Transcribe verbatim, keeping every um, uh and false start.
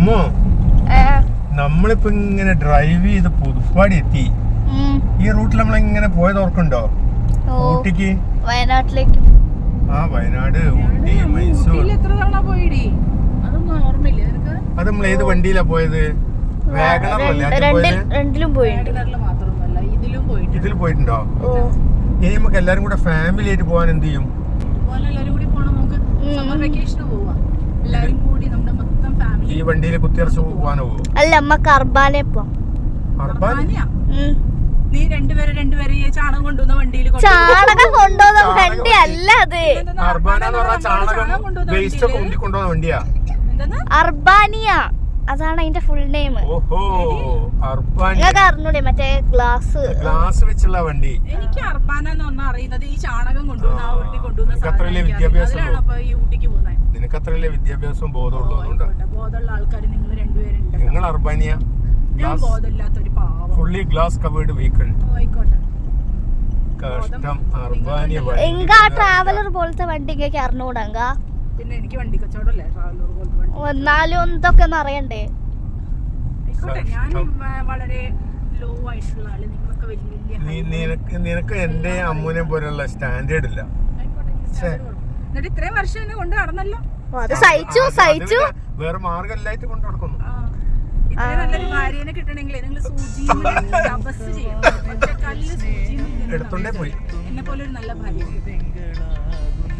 അമ്മോ നമ്മളിപ്പോ ഇങ്ങനെ ഡ്രൈവ് ചെയ്ത് പുതുപ്പാടി എത്തി. ഈ റൂട്ടിൽ നമ്മളിങ്ങനെ പോയത് ഓർക്കുണ്ടോ? ഊട്ടിക്ക്, വയനാട്ടിലേക്ക്. ആ വയനാട്, ഊട്ടി, മൈസൂർ. അത് നമ്മൾ ഏത് വണ്ടിയിലാ പോയത്? രണ്ടിലും പോയിട്ടുണ്ട്. ഇതിൽ പോയിട്ടുണ്ടോ? ഇനി നമുക്ക് എല്ലാരും കൂടെ ഫാമിലി ആയിട്ട് പോവാൻ എന്ത് ചെയ്യും? ഈ വണ്ടിയിൽ കുത്തിയറച്ച് പോവാനോ? അല്ല, നമ്മക്ക് അർബാനെ പോവാം. നീ രണ്ടുപേരെ രണ്ടുപേരെ ചാണകം കൊണ്ടുവന്ന വണ്ടിയിൽ ചാണകം കൊണ്ടുവന്ന വണ്ടി അല്ല അത്. അർബാന എന്ന് പറഞ്ഞാൽ ചാണകം വേസ്റ്റ് ഒക്കെ ഉണ്ടി കൊണ്ടുവന്ന വണ്ടിയാ. അർബാനിയ, അതാണ് അതിന്റെ ഫുൾ നെയിം. ഓഹോ, അർബാനിയ. നിങ്ങൾക്ക് അറിഞ്ഞൂടെ മറ്റേ ഗ്ലാസ് ഗ്ലാസ് വെച്ചുള്ള വണ്ടി? എനിക്ക് അർബാന എന്നൊന്നും അറിയുന്നത് ഈ ചാണകം കൊണ്ടുവന്ന ആ വണ്ടി കൊണ്ടുവന്ന വിദ്യാഭ്യാസം ഊട്ടിക്ക് പോകുന്നത്. നിനക്ക് അത്രയല്ലേ വിദ്യാഭ്യാസവും ബോധമുള്ളൂ. ബോധമുള്ള ആൾക്കാർ നിങ്ങൾ രണ്ടുപേരുണ്ട്. നിങ്ങൾ അർബാനിയ, ബോധമില്ലാത്തൊരു പാവം. Fully glass covered vehicle. ആയിക്കോട്ടെ, കഷ്ടം. അർബാനിയ എങ്ക ട്രാവലർ പോലത്തെ വണ്ടി ഇങ്ങനെ അറിഞ്ഞൂടങ്ക. പിന്നെ എനിക്ക് വണ്ടി കച്ചവടമല്ലേ ട്രാവലർ പോലത്തെ വണ്ടി. എന്നാലും എന്തൊക്കെ ഒന്ന് അറിയണ്ടേ? ആയിക്കോട്ടെ, ഞാൻ വളരെ ലോ ആയിട്ടുള്ള ആള്, നിങ്ങളൊക്കെ വലിയ വലിയ. നിനക്ക് നിനക്ക് എന്റെ അമ്മൂനെ പോലുള്ള സ്റ്റാൻഡേർഡ് ഇല്ല. എന്നിട്ട് ഇത്രയും വർഷം എന്നെ കൊണ്ട് നടന്നല്ലോ. അത് സഹിച്ചു സഹിച്ചു വേറെ മാർഗമില്ലായിട്ട് കൊണ്ട് നടക്കുന്നു. ഇത്രയും നല്ലൊരു ഭാര്യനെ കിട്ടണമെങ്കിൽ നിങ്ങൾ സൂചിയും തപസ് ചെയ്യണം. എടുത്തോണ്ടേ പോയി എന്നെ പോലെ ഒരു നല്ല ഭാര്യ.